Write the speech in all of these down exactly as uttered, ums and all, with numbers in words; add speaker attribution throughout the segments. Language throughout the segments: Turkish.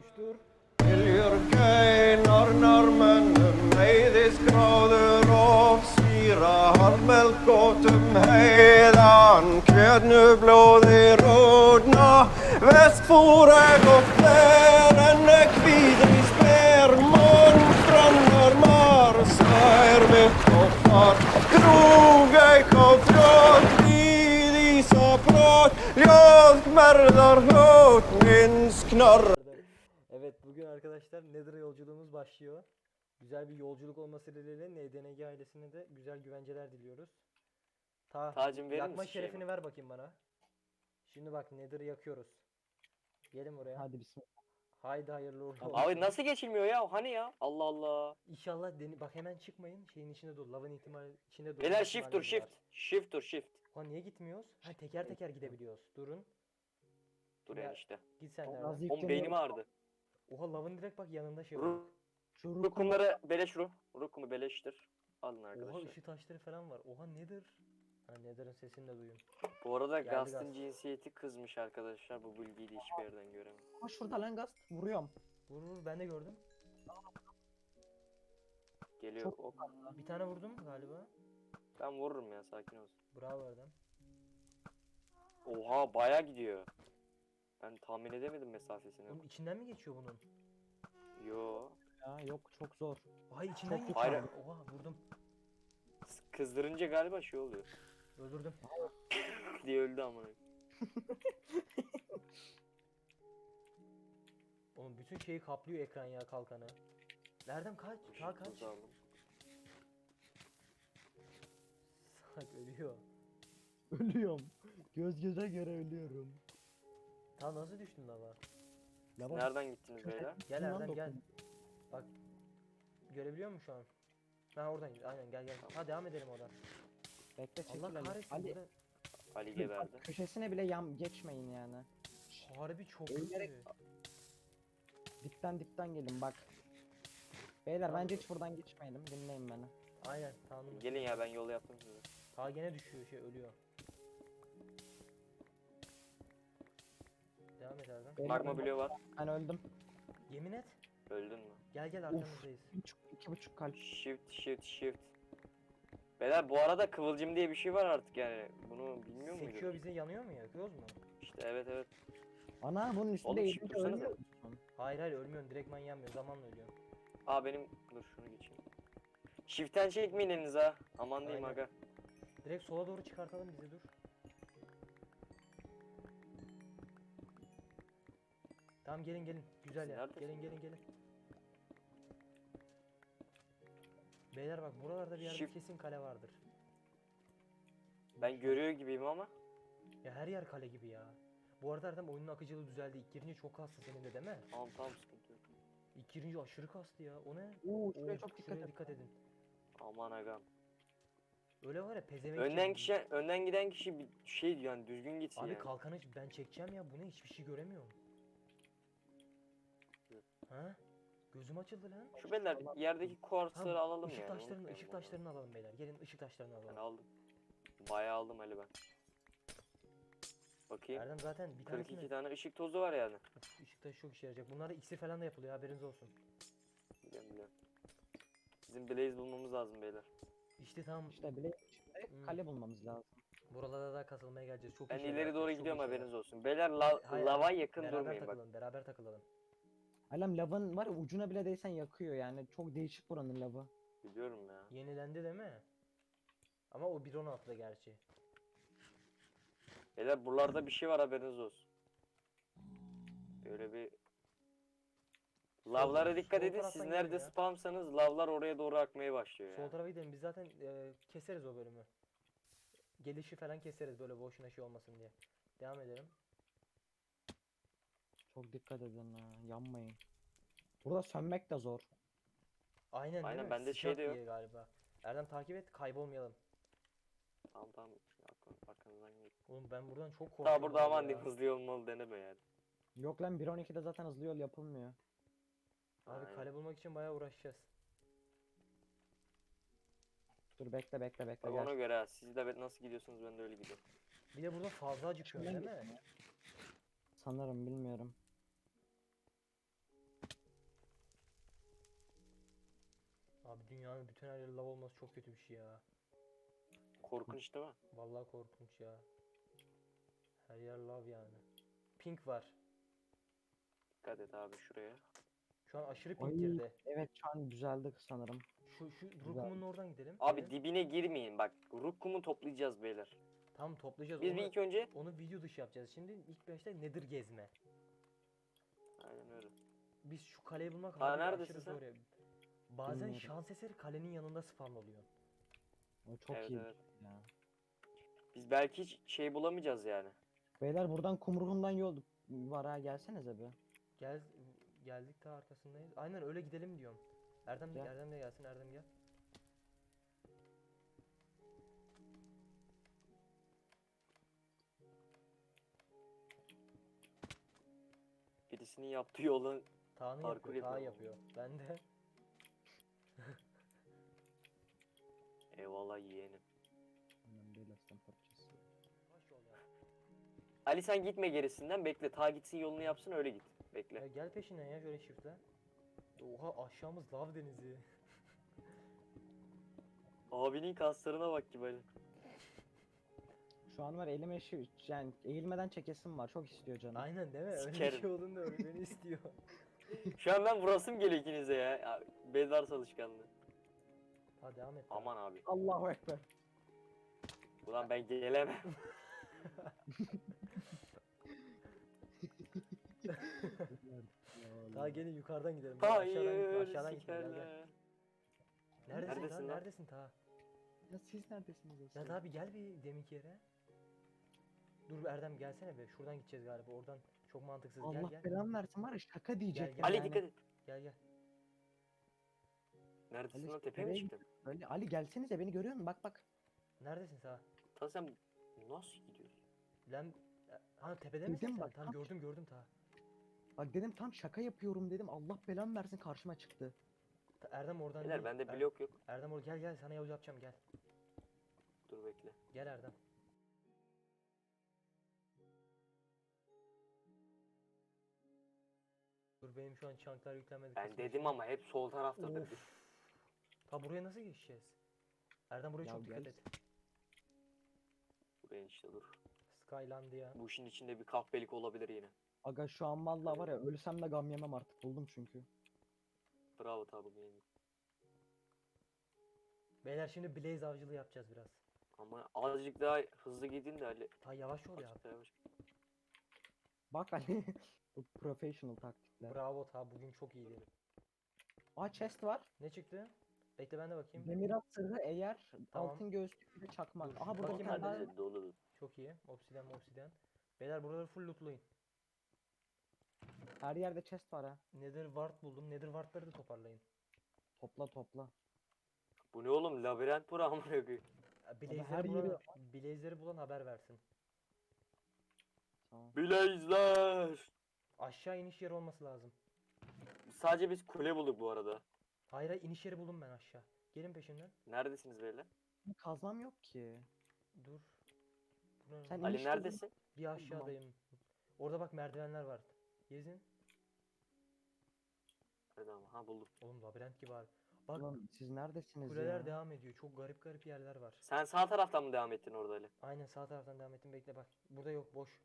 Speaker 1: Oluştur.
Speaker 2: Viljurkei norrnormönnum heiðisgróður og svíra harmelgótum heiðan kjötnublóði ródna vestfúreg og fleren kvíðri spermon frannar marsær mitt og far krúgei og frjótt í þísa brot ljóð merðar hót minns knorr.
Speaker 1: Evet, bugün arkadaşlar Nether'a yolculuğumuz başlıyor. Güzel bir yolculuk olması dileğiyle N D N G ailesine de güzel güvenceler diliyoruz. Ta
Speaker 3: Tacım verir
Speaker 1: yakma
Speaker 3: misin
Speaker 1: şerefini
Speaker 3: şeyimi?
Speaker 1: ver bakayım bana. Şimdi bak Nether'ı yakıyoruz. Gelin buraya.
Speaker 4: Hadi bismillah.
Speaker 1: Haydi hayırlı uğurlu olsun.
Speaker 3: Abi nasıl geçilmiyor ya? Hani ya? Allah Allah.
Speaker 1: İnşallah deni bak hemen çıkmayın. Şeyin içinde dur. Lavın ihtimali içinde dur.
Speaker 3: Beyler shift dur shift. Shift dur shift.
Speaker 1: Ha niye gitmiyoruz? Ha teker teker gidebiliyoruz. Durun.
Speaker 3: Dur
Speaker 1: Ya,
Speaker 3: enişte.
Speaker 1: Git sen
Speaker 4: Az
Speaker 1: nereden?
Speaker 3: Oğlum
Speaker 4: yükleniyor.
Speaker 3: beynim ağrıdı.
Speaker 1: Oha lavın direkt bak yanında şey var.
Speaker 3: Ru
Speaker 4: Şu rukum
Speaker 3: Rukumları beleş ru. Rukumu beleştir. Alın
Speaker 1: Oha
Speaker 3: arkadaşlar.
Speaker 1: ışık taşları falan var. Oha nedir? Ha Nether'ın sesini de duyun.
Speaker 3: Bu arada
Speaker 1: Geldi
Speaker 3: Gast'ın
Speaker 1: Gast.
Speaker 3: cinsiyeti kızmış arkadaşlar. Bu bilgiyi de hiçbir yerden göremem.
Speaker 4: Ama şurada lan gaz vuruyorum.
Speaker 1: Vur vur ben de gördüm.
Speaker 3: Geliyor.
Speaker 4: Çok-
Speaker 3: Ok.
Speaker 1: Bir tane vurdum galiba.
Speaker 3: Ben vururum ya, sakin olsun.
Speaker 1: Bravo Erdem.
Speaker 3: Oha baya gidiyor. Ben tahmin edemedim mesafesini.
Speaker 1: Oğlum içinden mi geçiyor bunun?
Speaker 3: Yo.
Speaker 4: Ya yok çok zor.
Speaker 1: Ay içinden
Speaker 4: Çok
Speaker 1: geçiyor.
Speaker 3: Hayır.
Speaker 1: Oha vurdum.
Speaker 3: S- Kızdırınca galiba şey oluyor.
Speaker 1: Öldürdüm.
Speaker 3: diye öldü amına.
Speaker 1: Oğlum bütün şeyi kaplıyor ekran ya kalkanı. Erdem kaç? Sağ kaç?
Speaker 3: Tuzu aldım.
Speaker 1: Salak ölüyor.
Speaker 4: Ölüyorum. Göz göze göre ölüyorum.
Speaker 1: Ta nasıl düştün lava?
Speaker 4: Ya bak,
Speaker 3: Nereden gittiniz beyler?
Speaker 1: Gel
Speaker 4: Şundan
Speaker 1: Erdem gel.
Speaker 4: dokun.
Speaker 1: Bak. Görebiliyor musun şu an? Ha oradan git. Aynen gel gel. Ha devam edelim oradan.
Speaker 4: Bekle çekil.
Speaker 1: Allah
Speaker 4: Ali.
Speaker 1: kahretsin
Speaker 4: Ali,
Speaker 1: burada.
Speaker 3: Ali geberdi.
Speaker 4: köşesine bile yan geçmeyin yani.
Speaker 1: Harbi çok
Speaker 4: Ölerek-
Speaker 1: kötü.
Speaker 4: Dipten dipten gelin bak. Beyler bence hiç buradan geçmeyelim. Dinleyin beni.
Speaker 1: Aynen tamam.
Speaker 3: Gelin ya, ben yol yaptım size.
Speaker 1: Ta gene düşüyor şey ölüyor. Devam et Erdem.
Speaker 4: Beyler,
Speaker 3: Magma bloğu var.
Speaker 4: Ben öldüm.
Speaker 1: Yemin et.
Speaker 3: Öldün mü?
Speaker 1: Gel gel arkamızdayız.
Speaker 4: İki buçuk, iki buçuk kalp.
Speaker 3: Shift shift shift. Beyler bu arada kıvılcım diye bir şey var artık yani. Bunu bilmiyor
Speaker 1: Sekiyor
Speaker 3: muydun?
Speaker 1: bizi yanıyor mu yakıyoruz mu?
Speaker 3: İşte evet evet.
Speaker 4: Ana bunun üstünde
Speaker 3: Oğlum,
Speaker 4: yedince
Speaker 3: shift dursana
Speaker 4: ölüyor
Speaker 3: da.
Speaker 4: musun?
Speaker 1: Hayır hayır ölmüyorsun direktman yanmıyor zamanla ölüyorsun.
Speaker 3: Aa benim dur şunu geçeyim. Shift'ten çekmeyin elinize ha. Aman diyeyim
Speaker 1: Aynen.
Speaker 3: aga.
Speaker 1: Direkt sola doğru çıkartalım bizi dur. Tamam gelin gelin. Güzel
Speaker 3: Siz
Speaker 1: ya.
Speaker 3: neredesiniz
Speaker 1: Gelin gelin gelin. Beyler bak buralarda bir yerde
Speaker 3: Shift-
Speaker 1: kesin kale vardır.
Speaker 3: Ben görüyor gibiyim ama.
Speaker 1: Ya her yer kale gibi ya. Bu arada Erdem oyunun akıcılığı düzeldi. İlk girince çok kastı senin de değil mi?
Speaker 3: Tamam tamam, sıkıntı yok.
Speaker 1: İlk girince aşırı kastı ya. O ne?
Speaker 4: Oo şuraya
Speaker 1: Oo,
Speaker 4: çok dikkat
Speaker 1: şuraya
Speaker 4: et.
Speaker 1: dikkat edin.
Speaker 3: Aman agam.
Speaker 1: Öyle var ya pezevenk.
Speaker 3: Önden
Speaker 1: gibi.
Speaker 3: kişi önden giden kişi bir şey diyor yani, düzgün gitsin
Speaker 1: Abi
Speaker 3: yani.
Speaker 1: kalkanı ben çekeceğim ya bu ne hiçbir şey göremiyorum. Ha? Gözüm açıldı lan.
Speaker 3: Şu beyler yerdeki kuartsları
Speaker 1: Tamam,
Speaker 3: alalım
Speaker 1: ışık
Speaker 3: yani.
Speaker 1: taşlarını,
Speaker 3: unutmayalım
Speaker 1: ışık
Speaker 3: onları.
Speaker 1: taşlarını alalım beyler. Gelin ışık taşlarını
Speaker 3: Ben
Speaker 1: alalım.
Speaker 3: aldım. Bayağı aldım Ali ben. Bakayım.
Speaker 1: Erdem zaten bir
Speaker 3: kırk iki
Speaker 1: tanesinde
Speaker 3: tane ışık tozu var yani.
Speaker 1: Uf, ışık taşı çok işe yarayacak. Bunlarda iksir falan da yapılıyor haberiniz olsun.
Speaker 3: Biliyorum biliyorum. Bizim Blaze bulmamız lazım beyler.
Speaker 1: İşte tamam
Speaker 4: İşte bile işte
Speaker 1: Hmm.
Speaker 4: kale bulmamız lazım.
Speaker 1: buralarda daha kasılmaya geleceğiz. Çok
Speaker 3: Ben
Speaker 1: işe
Speaker 3: ileri
Speaker 1: yarayacak,
Speaker 3: doğru
Speaker 1: çok
Speaker 3: gidiyorum,
Speaker 1: işe
Speaker 3: haberiniz
Speaker 1: yarayacak.
Speaker 3: olsun. Beyler la
Speaker 1: Hayır,
Speaker 3: lava
Speaker 1: hayır,
Speaker 3: yakın
Speaker 1: beraber
Speaker 3: durmayın bak.
Speaker 1: takılalım, beraber takılalım.
Speaker 4: Alem lavın var ya ucuna bile değsen yakıyor yani. Çok değişik buranın lavı.
Speaker 3: Biliyorum ya.
Speaker 1: Yenilendi değil mi? Ama o bir on altıda gerçi.
Speaker 3: Beyler buralarda bir şey var, haberiniz olsun. Böyle bir lavlara
Speaker 1: sol
Speaker 3: dikkat edin. Siz
Speaker 1: taraftan
Speaker 3: nerede
Speaker 1: gelin ya.
Speaker 3: spamsanız lavlar oraya doğru akmaya başlıyor
Speaker 1: Sol
Speaker 3: yani.
Speaker 1: tarafa gidelim biz zaten e, keseriz o bölümü. Gelişi falan keseriz böyle boşuna şey olmasın diye. Devam edelim.
Speaker 4: Çok dikkat edin ha. Yanmayın. Burada sönmek de zor.
Speaker 1: Aynen değil
Speaker 3: Aynen,
Speaker 1: mi?
Speaker 3: bende
Speaker 1: Sıcak
Speaker 3: şey de yok.
Speaker 1: diye galiba. Erdem takip et kaybolmayalım.
Speaker 3: Tamam tamam. Arkan- Arkanızdan gidin.
Speaker 1: Oğlum ben buradan çok korkuyorum.
Speaker 3: Daha burada
Speaker 1: abi
Speaker 3: aman
Speaker 1: ya.
Speaker 3: diyeyim, hızlı yol olmalı deneme yani.
Speaker 4: Yok lan bir on ikide zaten hızlı yol yapılmıyor.
Speaker 1: Abi
Speaker 3: Aynen.
Speaker 1: kale bulmak için bayağı uğraşacağız.
Speaker 4: Dur bekle bekle bekle
Speaker 3: Bak
Speaker 4: gel.
Speaker 3: ona göre ha. Siz de nasıl gidiyorsunuz, ben de öyle gidiyorum.
Speaker 1: Bir de burada fazla acıkıyor değil
Speaker 4: Şuradan
Speaker 1: mi?
Speaker 4: Sanırım bilmiyorum.
Speaker 1: dünyanın bütün her yeri lav olması çok kötü bir şey ya.
Speaker 3: Korkunç değil mi?
Speaker 1: Vallahi korkunç ya. Her yer lav yani. Pink var.
Speaker 3: Dikkat et abi şuraya.
Speaker 1: Şu an aşırı
Speaker 4: Ay,
Speaker 1: pink girdi.
Speaker 4: evet şu an düzeldi sanırım.
Speaker 1: Şu şu
Speaker 4: Güzel.
Speaker 1: Rukum'un oradan gidelim.
Speaker 3: Abi
Speaker 1: Gelin.
Speaker 3: dibine girmeyin bak. Rukkum'u toplayacağız beyler.
Speaker 1: Tamam toplayacağız.
Speaker 3: Biz
Speaker 1: onu,
Speaker 3: bir ilk önce...
Speaker 1: onu video dışı yapacağız. Şimdi ilk başta Nether gezme.
Speaker 3: Aynen öyle.
Speaker 1: Biz şu kaleyi bulmak
Speaker 3: Aa,
Speaker 1: harbi
Speaker 3: neredesin
Speaker 1: aşırı
Speaker 3: sen?
Speaker 1: zor ya. Bazen
Speaker 4: Bilmiyorum.
Speaker 1: şans eseri kalenin yanında spawn oluyor.
Speaker 4: O çok
Speaker 3: Evet,
Speaker 4: iyi
Speaker 3: evet.
Speaker 4: ya.
Speaker 3: Biz belki hiç şey bulamayacağız yani.
Speaker 4: Beyler buradan kumruğundan yol var ha, gelsenize bir.
Speaker 1: Gel geldik ta arkasındayız. Aynen öyle gidelim diyorum. Erdem de
Speaker 4: Gel.
Speaker 1: Erdem de gelsin. Erdem gel.
Speaker 3: Birisinin yaptığı yolun
Speaker 1: Tağını
Speaker 3: Parkur
Speaker 1: yapıyor. Tağ
Speaker 3: yapıyor.
Speaker 1: yapıyor. Ben de
Speaker 3: eyvallah yeğenim.
Speaker 4: Hemen böyle aslan parçası.
Speaker 1: yavaş ol ya.
Speaker 3: Ali sen gitme gerisinden bekle. Ta gitsin yolunu yapsın öyle git.
Speaker 1: Ya
Speaker 3: Bekle.
Speaker 1: gel peşinden ya şöyle shift'le. Oha aşağımız lav denizi.
Speaker 3: Abinin kaslarına bak ki böyle.
Speaker 4: Şu an var elime şu yani eğilmeden çekesim var. Çok istiyor canım.
Speaker 1: Aynen değil mi? Öyle bir
Speaker 3: Sikerim.
Speaker 1: şey olduğunda öyle beni istiyor.
Speaker 3: Şu an ben vurasım geliyor ikinize ya. ya Bedar çalışkanlığı.
Speaker 1: Hadi devam et.
Speaker 3: Aman abi.
Speaker 4: Allahu ekber.
Speaker 3: Ulan ben gelemem.
Speaker 1: Daha gelin yukarıdan gidelim. Gel, aşağıdan gitme,
Speaker 3: Hayır
Speaker 1: aşağıdan gitme, gel gel.
Speaker 3: sikerler.
Speaker 1: Neredesin,
Speaker 3: Neredesin
Speaker 1: lan?
Speaker 3: lan?
Speaker 1: Neredesin ta?
Speaker 4: Ya siz neredesiniz
Speaker 1: Ya
Speaker 4: aslan?
Speaker 1: daha bir gel bir deminki yere. Dur bir Erdem gelsene be. Şuradan gideceğiz galiba. Oradan çok mantıksız. Gel
Speaker 4: Allah
Speaker 1: gel.
Speaker 4: belanı versin var ya, şaka diyecektim.
Speaker 1: gel.
Speaker 3: Ali
Speaker 4: yani.
Speaker 3: dikkat et.
Speaker 1: Gel gel.
Speaker 3: Neredesin
Speaker 4: Ali
Speaker 3: lan
Speaker 4: işte
Speaker 3: tepeye mi
Speaker 4: nereye
Speaker 3: çıktın?
Speaker 4: Böyle Ali gelsenize, beni görüyor musun? Bak bak.
Speaker 1: Neredesin ta?
Speaker 3: Ta sen nasıl gidiyorsun?
Speaker 1: Lan ha tepede misin
Speaker 4: Dedim
Speaker 1: sen?
Speaker 4: bak,
Speaker 1: Tam
Speaker 4: tam-
Speaker 1: gördüm gördüm ta.
Speaker 4: Bak dedim tam şaka yapıyorum dedim. Allah belanı versin, karşıma çıktı.
Speaker 1: Ta- Erdem oradan
Speaker 3: Beyler
Speaker 1: değil.
Speaker 3: bende
Speaker 1: Er-
Speaker 3: blok yok.
Speaker 1: Erdem orada gel gel sana yol yapacağım gel.
Speaker 3: Dur bekle.
Speaker 1: Gel Erdem. Dur benim şu an çanklar yüklenmedi.
Speaker 3: Ben
Speaker 1: kısmı
Speaker 3: dedim
Speaker 1: için.
Speaker 3: ama hep sol taraftadır.
Speaker 1: Of. Ta buraya nasıl geçeceğiz? Erdem buraya
Speaker 4: Ya
Speaker 1: çok dikkat
Speaker 4: gel.
Speaker 1: et.
Speaker 3: Buraya işte dur.
Speaker 1: Skylandia.
Speaker 3: Bu işin içinde bir kahpelik olabilir yine.
Speaker 4: Aga şu an vallahi var ya, ölsem de gam yemem artık, buldum çünkü.
Speaker 3: Bravo tabi benim.
Speaker 1: Beyler şimdi Blaze avcılığı yapacağız biraz.
Speaker 3: Ama azıcık daha hızlı gidin de Ali.
Speaker 1: Ta yavaş ol ya.
Speaker 3: Azıcık daha yavaş.
Speaker 4: Bak Ali. Bu professional taktikler.
Speaker 1: Bravo ta bugün çok iyiydi.
Speaker 4: Aa, chest var.
Speaker 1: Ne çıktı? Bekle ben de bakayım.
Speaker 4: Demirat sırrı, eğer
Speaker 1: Tamam.
Speaker 4: altın göğüslük bir de çakmak.
Speaker 1: Dur,
Speaker 4: Aha burada bir
Speaker 1: bakayım
Speaker 4: tane daha.
Speaker 1: ben de.
Speaker 3: Bende de dolu.
Speaker 1: Çok iyi. Obsidian obsidian. Beyler buraları full lootlayın.
Speaker 4: Her yerde chest var ha.
Speaker 1: Nether wart buldum. Nether wardları da toparlayın.
Speaker 4: Topla topla.
Speaker 3: Bu ne oğlum? Labirent bura amına koyayım.
Speaker 1: Ya,
Speaker 4: her
Speaker 1: Blaze'leri
Speaker 4: yeri
Speaker 1: bulan, Blaze'leri bulan haber versin.
Speaker 4: Tamam.
Speaker 3: Blaze'ler.
Speaker 1: Aşağı iniş yeri olması lazım.
Speaker 3: Sadece biz kule bulduk bu arada.
Speaker 1: Hayır hayır iniş yeri buldum ben aşağı. Gelin peşimden.
Speaker 3: Neredesiniz beyler?
Speaker 4: Kazmam yok ki.
Speaker 1: Dur. Buranın-
Speaker 4: Sen
Speaker 3: Ali
Speaker 4: iniş
Speaker 3: neredesin?
Speaker 1: Bir aşağıdayım. Orada bak merdivenler var. Gezin.
Speaker 3: Hadi ama ha buldum.
Speaker 1: Oğlum labirent gibi abi. Bak
Speaker 4: Ulan siz neredesiniz
Speaker 1: kuleler
Speaker 4: ya?
Speaker 1: devam ediyor. Çok garip garip yerler var.
Speaker 3: Sen sağ taraftan mı devam ettin orada Ali?
Speaker 1: Aynen sağ taraftan devam ettim. Bekle bak. Burada yok boş.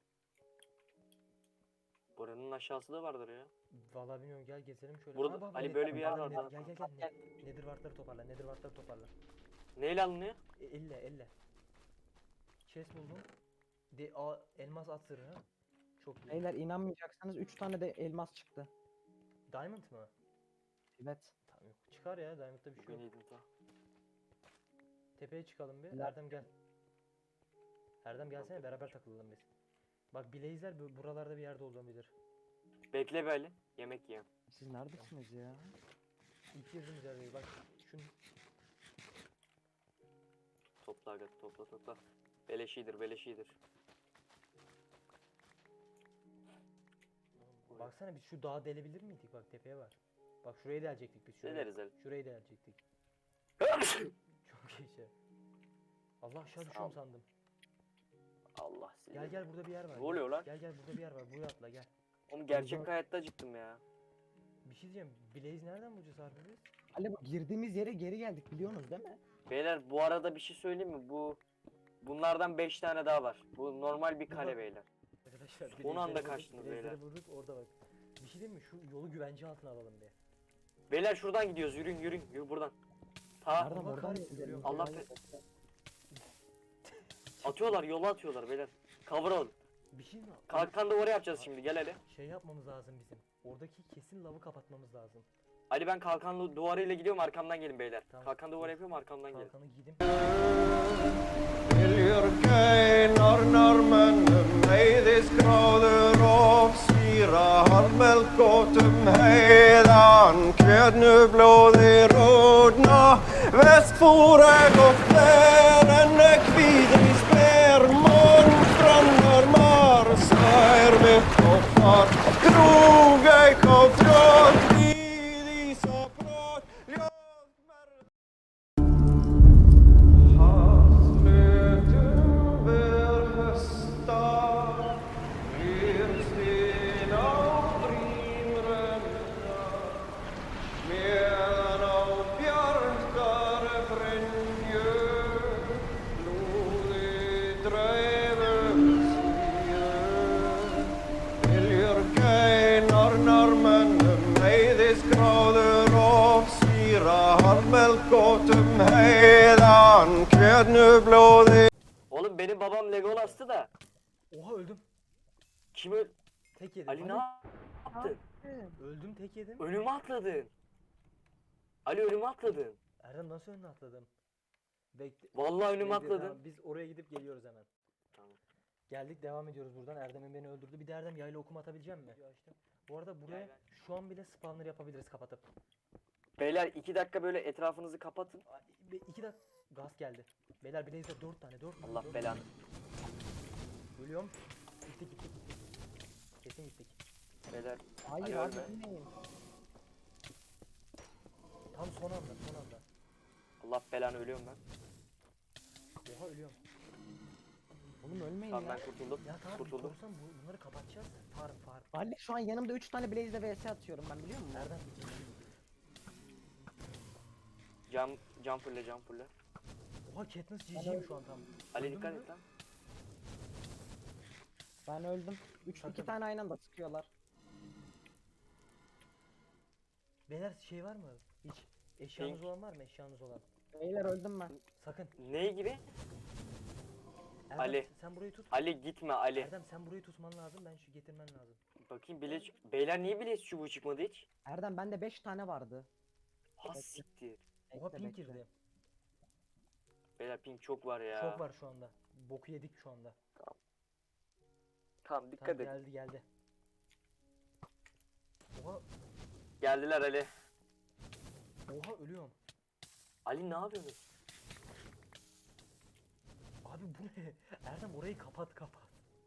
Speaker 3: Buranın aşağısı da vardır ya.
Speaker 1: Vallahi bilmiyorum gel gezelim şöyle.
Speaker 3: Burada-
Speaker 1: Aa, bak,
Speaker 3: Ali
Speaker 1: bak,
Speaker 3: böyle
Speaker 1: bak,
Speaker 3: bir yer
Speaker 1: bak,
Speaker 3: var,
Speaker 1: Nether-
Speaker 3: tamam.
Speaker 1: Gel gel gel. Ne- Nether wardları toparla. Nether wardları toparla.
Speaker 3: Neyle alınıyor?
Speaker 1: E, elle elle. Chest buldum. De a, elmas at zırhı. Çok iyi.
Speaker 4: Beyler inanmayacaksınız, üç tane de elmas çıktı.
Speaker 1: Diamond mı?
Speaker 4: Evet.
Speaker 1: Tamam yok. Çıkar ya Diamond'da bir şey
Speaker 3: Bugün
Speaker 1: yok.
Speaker 3: yedim ta.
Speaker 1: Tepeye çıkalım bir.
Speaker 4: Helal.
Speaker 1: Erdem gel. Erdem gelsene beraber takılalım biz. Bak Blaze'ler bu- buralarda bir yerde olabilir.
Speaker 3: Bekle be Ali. Yemek yiyeyim.
Speaker 4: Siz neredesiniz ya?
Speaker 1: İlk girdiğimiz yerdeyiz. Bak şunu
Speaker 3: Topla aga topla topla. Beleşidir beleşidir.
Speaker 1: baksana biz şu dağı delebilir miydik? Bak tepeye var. Bak şurayı delecektik biz şurayı.
Speaker 3: Deleriz Ali.
Speaker 1: Şurayı delecektik. Çok iyi şey. Allah aşağı
Speaker 3: Sağ
Speaker 1: düşüyorum
Speaker 3: ol.
Speaker 1: sandım.
Speaker 3: Allah sizi.
Speaker 1: Gel gel burada bir yer var.
Speaker 3: Ne
Speaker 1: gel.
Speaker 3: oluyor lan?
Speaker 1: Gel gel burada bir yer var. Buraya atla gel.
Speaker 3: Oğlum gerçek
Speaker 4: Burada-
Speaker 3: hayatta acıktım ya.
Speaker 1: Bir şey diyeceğim. Blaze nereden bulacağız harbi biz?
Speaker 4: Ali bu girdiğimiz yere geri geldik biliyorsunuz değil mi?
Speaker 3: Beyler bu arada bir şey söyleyeyim mi? Bu bunlardan beş tane daha var. Bu normal bir kale
Speaker 1: Burada-
Speaker 3: beyler.
Speaker 1: Arkadaşlar
Speaker 3: Son anda
Speaker 1: bilezikleri
Speaker 3: kaçtınız
Speaker 1: vurduk,
Speaker 3: beyler.
Speaker 1: bilezikleri vurduk orada bak. Bir şey diyeyim mi? Şu yolu güvence altına alalım bir.
Speaker 3: Beyler şuradan gidiyoruz. Yürüyün yürüyün. Yürü buradan. Ta
Speaker 4: Nereden
Speaker 1: Allah
Speaker 4: oradan
Speaker 1: kahretsin,
Speaker 4: gidelim?
Speaker 1: görüyorum.
Speaker 3: Allah
Speaker 4: Hayır.
Speaker 3: be- atıyorlar. Yola atıyorlar beyler. Cover alın.
Speaker 1: Bir şey mi?
Speaker 3: Kalkan duvarı yapacağız şimdi. Gel Ali.
Speaker 1: Şey yapmamız lazım bizim. Oradaki kesin lavı kapatmamız lazım.
Speaker 3: Ali ben kalkan duvarıyla gidiyorum. Arkamdan gelin beyler.
Speaker 1: Tamam.
Speaker 3: Kalkan duvarı yapıyorum. Arkamdan gelin.
Speaker 1: Kalkanı giydim.
Speaker 2: Viljurkei norrnormönnum heiðisgráður of síra harmelkótum heiðan kjötnublóði ródna vestfúreg og flerennek vidri spermon frannar marsær mitt og far krúgei kófrjótt við ísaprót ljóðmer Haslutum ber hösta, Grimstin á brínrenna, meðan á bjartar brynju, blóði dreifum síðu. Viljurkei norrnormönnum heiðisgráður of síra harmelkótum heiðan kjötnublóði
Speaker 3: Oğlum benim babam Legolas'tı da.
Speaker 1: Oha öldüm.
Speaker 3: Kim öl...
Speaker 1: Tek yedim.
Speaker 3: Ali ne yaptın?
Speaker 1: Öldüm tek yedim.
Speaker 3: Önüme atladın. Ali önüme atladın.
Speaker 1: Erdem nasıl önüne atladım? Bekle.
Speaker 3: Vallahi önüme
Speaker 1: Bekle,
Speaker 3: atladın.
Speaker 1: tamam, biz oraya gidip geliyoruz hemen.
Speaker 3: Tamam.
Speaker 1: Geldik devam ediyoruz buradan. Erdem'in beni öldürdü. Bir de Erdem yayla okum atabilecek mi? Açtım. Bu arada buraya
Speaker 3: Yayla.
Speaker 1: şu an bile spawner yapabiliriz kapatıp.
Speaker 3: Beyler iki dakika böyle etrafınızı kapatın.
Speaker 1: Ay, bir- iki dakika gaz geldi. Beyler bileğizde dört tane dört tane.
Speaker 3: Allah
Speaker 1: dört
Speaker 3: belanı.
Speaker 1: tane. Ölüyorum. Gittik gittik gittik. Kesin gittik.
Speaker 3: Beyler
Speaker 4: Hayır
Speaker 3: Ali
Speaker 4: abi
Speaker 3: ölme.
Speaker 4: bilmeyin.
Speaker 1: Tam son anda son anda.
Speaker 3: Allah belanı ölüyorum ben.
Speaker 1: Oha ölüyorum.
Speaker 4: Oğlum ölmeyin
Speaker 3: Tamam
Speaker 4: ya.
Speaker 3: ben kurtuldum.
Speaker 1: Ya tamam
Speaker 3: Kurtuldum.
Speaker 1: korsan bu, bunları kapatacağız. Farm farm.
Speaker 4: Ali şu an yanımda üç tane Blaze'de vs atıyorum ben biliyor musun?
Speaker 1: Erdem.
Speaker 3: Cam cam fulle cam fulle.
Speaker 1: Oha Katniss G G'yim şu an tam.
Speaker 3: Ali
Speaker 1: Öldün
Speaker 3: dikkat
Speaker 1: mü?
Speaker 3: et lan.
Speaker 4: Ben öldüm. Üç,
Speaker 1: Sakın.
Speaker 4: iki tane aynı anda sıkıyorlar.
Speaker 1: Beyler şey var mı? Hiç eşyanız
Speaker 3: Pink.
Speaker 1: olan var mı? Eşyanız olan.
Speaker 4: Beyler öldüm ben.
Speaker 1: Sakın.
Speaker 3: Ne gibi?
Speaker 1: Erdem,
Speaker 3: Ali.
Speaker 1: sen burayı tut.
Speaker 3: Ali gitme Ali.
Speaker 1: Erdem sen burayı tutman lazım. Ben şu getirmen lazım.
Speaker 3: Bakayım bileç. Beyler niye bileç çubuğu çıkmadı hiç?
Speaker 4: Erdem bende beş tane vardı.
Speaker 3: Ha
Speaker 4: Bekle.
Speaker 3: siktir.
Speaker 1: Oha
Speaker 4: Bekle,
Speaker 1: pink
Speaker 4: bekle.
Speaker 1: girdi.
Speaker 3: Beyler ping çok var ya.
Speaker 1: Çok var şu anda. Boku yedik şu anda.
Speaker 3: Tamam dikkat
Speaker 1: Tamam,
Speaker 3: et.
Speaker 1: geldi geldi. Oha
Speaker 3: Geldiler Ali.
Speaker 1: oha ölüyorum.
Speaker 3: Ali ne yapıyorsun?
Speaker 1: Abi bu ne? Erdem orayı kapat kapat.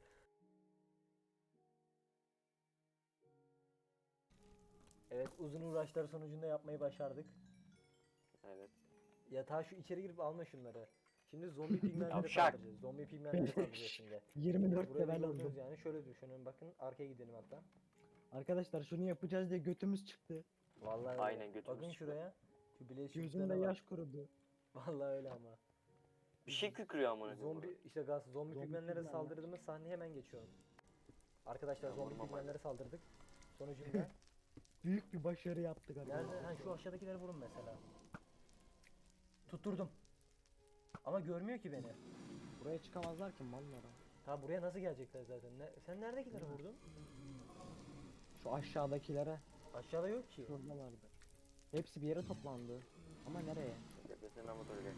Speaker 1: Evet uzun uğraşlar sonucunda yapmayı başardık.
Speaker 3: Evet.
Speaker 1: Ya ta şu içeri girip alma şunları. Şimdi zombi pigmenlere
Speaker 3: Yavşak.
Speaker 1: saldıracağız. Zombi pigmenlere saldıracağız şimdi.
Speaker 4: yirmi dört
Speaker 1: Burayı
Speaker 4: level
Speaker 1: gördünüz
Speaker 4: oldum.
Speaker 1: yani şöyle düşünün bakın arkaya gidelim hatta.
Speaker 4: Arkadaşlar şunu yapacağız diye götümüz çıktı.
Speaker 1: Vallahi öyle.
Speaker 3: Aynen, götümüz
Speaker 1: Bakın
Speaker 3: çıktı.
Speaker 1: şuraya. Şu bileği
Speaker 4: Gözümde yaş kurudu.
Speaker 1: Vallahi öyle ama.
Speaker 3: Bir şey kükrüyor amına. koyayım
Speaker 1: Zombi
Speaker 3: burada.
Speaker 1: işte gaz zombi,
Speaker 4: Zombi
Speaker 1: pigmenlere
Speaker 4: pigmenler.
Speaker 1: saldırdığımız sahneye hemen geçiyorum. Arkadaşlar
Speaker 3: Tamam,
Speaker 1: zombi
Speaker 3: tamam,
Speaker 1: pigmenlere saldırdık. Sonucunda
Speaker 4: Büyük bir başarı yaptık
Speaker 1: nerede?
Speaker 4: arkadaşlar.
Speaker 1: Ha şu aşağıdakileri vurun mesela. Tutturdum. Ama görmüyor ki beni.
Speaker 4: Buraya çıkamazlar ki mallara.
Speaker 1: Ta buraya nasıl gelecekler zaten? Ne, sen neredekileri vurdun?
Speaker 4: Şu aşağıdakilere.
Speaker 1: Aşağıda yok ki.
Speaker 4: Şuradalardı. Hepsi bir yere toplandı. Ama nereye?
Speaker 3: Tepesine ama öyle.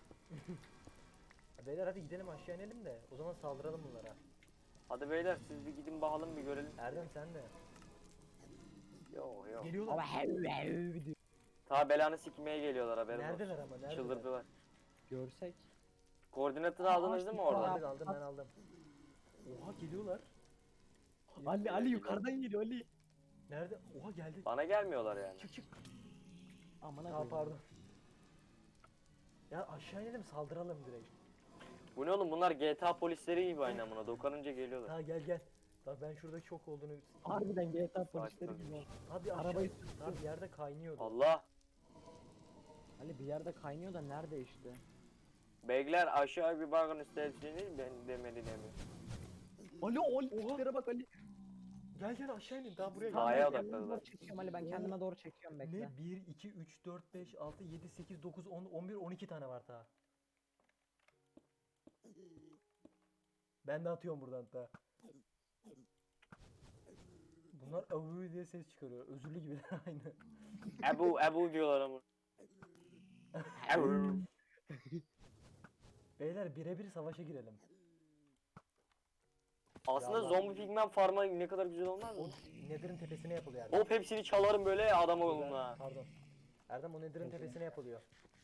Speaker 1: Beyler hadi gidelim aşağı inelim de o zaman saldıralım bunlara.
Speaker 3: Hadi beyler siz bir gidin bakalım bir görelim.
Speaker 1: Erdem sen de.
Speaker 3: Yo yo.
Speaker 1: Geliyorlar.
Speaker 4: Ama hev hev diyor.
Speaker 3: Ta belanı sikmeye geliyorlar haberin
Speaker 1: Neredeler
Speaker 3: olsun.
Speaker 1: ama neredeler?
Speaker 3: Çıldırdılar.
Speaker 4: Görsek.
Speaker 3: Koordinatını aldınız değil mi
Speaker 4: Aa,
Speaker 3: oradan?
Speaker 1: Aldık aldım ben aldım. Oha geliyorlar.
Speaker 4: Ali Ali yukarıdan geliyor Ali.
Speaker 1: Nerede? Oha geldi.
Speaker 3: Bana gelmiyorlar yani.
Speaker 1: Çık çık.
Speaker 4: Aman
Speaker 1: Aa
Speaker 4: koyayım.
Speaker 1: pardon. Ya aşağı inelim saldıralım direkt.
Speaker 3: Bu ne oğlum bunlar G T A polisleri gibi aynı amına dokanınca geliyorlar.
Speaker 1: Ha gel gel. Bak ben şurada çok olduğunu...
Speaker 4: Harbiden G T A polisleri
Speaker 3: Sakin ol.
Speaker 4: gibi.
Speaker 1: Abi aşağı...
Speaker 4: Arabayı
Speaker 1: Abi yerde kaynıyordu.
Speaker 3: Allah.
Speaker 4: Ali bir yerde kaynıyor da nerede işte?
Speaker 3: Beyler aşağı bir bakın isterseniz ben demedi demiyor.
Speaker 4: Ali o tiplere bak Ali.
Speaker 1: Gel gel aşağı inin daha buraya
Speaker 3: Tamam,
Speaker 1: gel.
Speaker 3: Dağa
Speaker 4: ben kendime
Speaker 3: odakladılar.
Speaker 4: doğru çekiyorum Ali, ben
Speaker 1: Oo.
Speaker 4: kendime doğru çekiyorum, bekle.
Speaker 1: Ne? bir, iki, üç, dört, beş, altı, yedi, sekiz, dokuz, on, on bir, on iki tane var daha. Ben de atıyorum buradan da. Bunlar avı diye ses çıkarıyor. Özürlü gibi aynı.
Speaker 3: Ebu Ebu diyorlar ama. Ebu.
Speaker 1: Beyler birebir savaşa girelim.
Speaker 3: Aslında
Speaker 1: Ya lan.
Speaker 3: zombi pigmen farma ne kadar güzel olmaz
Speaker 1: O
Speaker 3: mı?
Speaker 1: Nether'ın tepesine yapılıyor Erdem.
Speaker 3: Hop hepsini çalarım böyle adam
Speaker 1: Güzel,
Speaker 3: oğlumla.
Speaker 1: Pardon. Erdem o Nether'ın
Speaker 4: Peki.
Speaker 1: tepesine yapılıyor.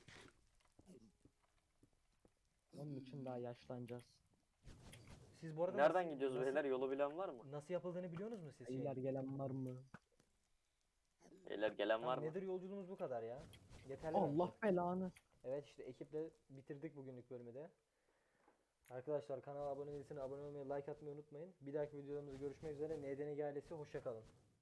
Speaker 4: Onun için daha yaşlanacağız.
Speaker 1: Siz bu arada
Speaker 3: Nereden
Speaker 1: nasıl-
Speaker 3: gidiyoruz
Speaker 1: nasıl,
Speaker 3: beyler? Yolu bilen var mı?
Speaker 1: Nasıl yapıldığını biliyorsunuz mu siz? şeyin?
Speaker 4: Beyler gelen var mı?
Speaker 3: Beyler gelen var
Speaker 1: Tamam,
Speaker 3: mı?
Speaker 1: Nether yolculuğumuz bu kadar ya. Yeterli bence.
Speaker 4: Allah belanı.
Speaker 1: Evet işte ekiple bitirdik bugünlük bölümü de. Arkadaşlar kanala abone değilseniz abone olmayı, like atmayı unutmayın. Bir dahaki videolarımızda görüşmek üzere. N D N G ailesi hoşça kalın.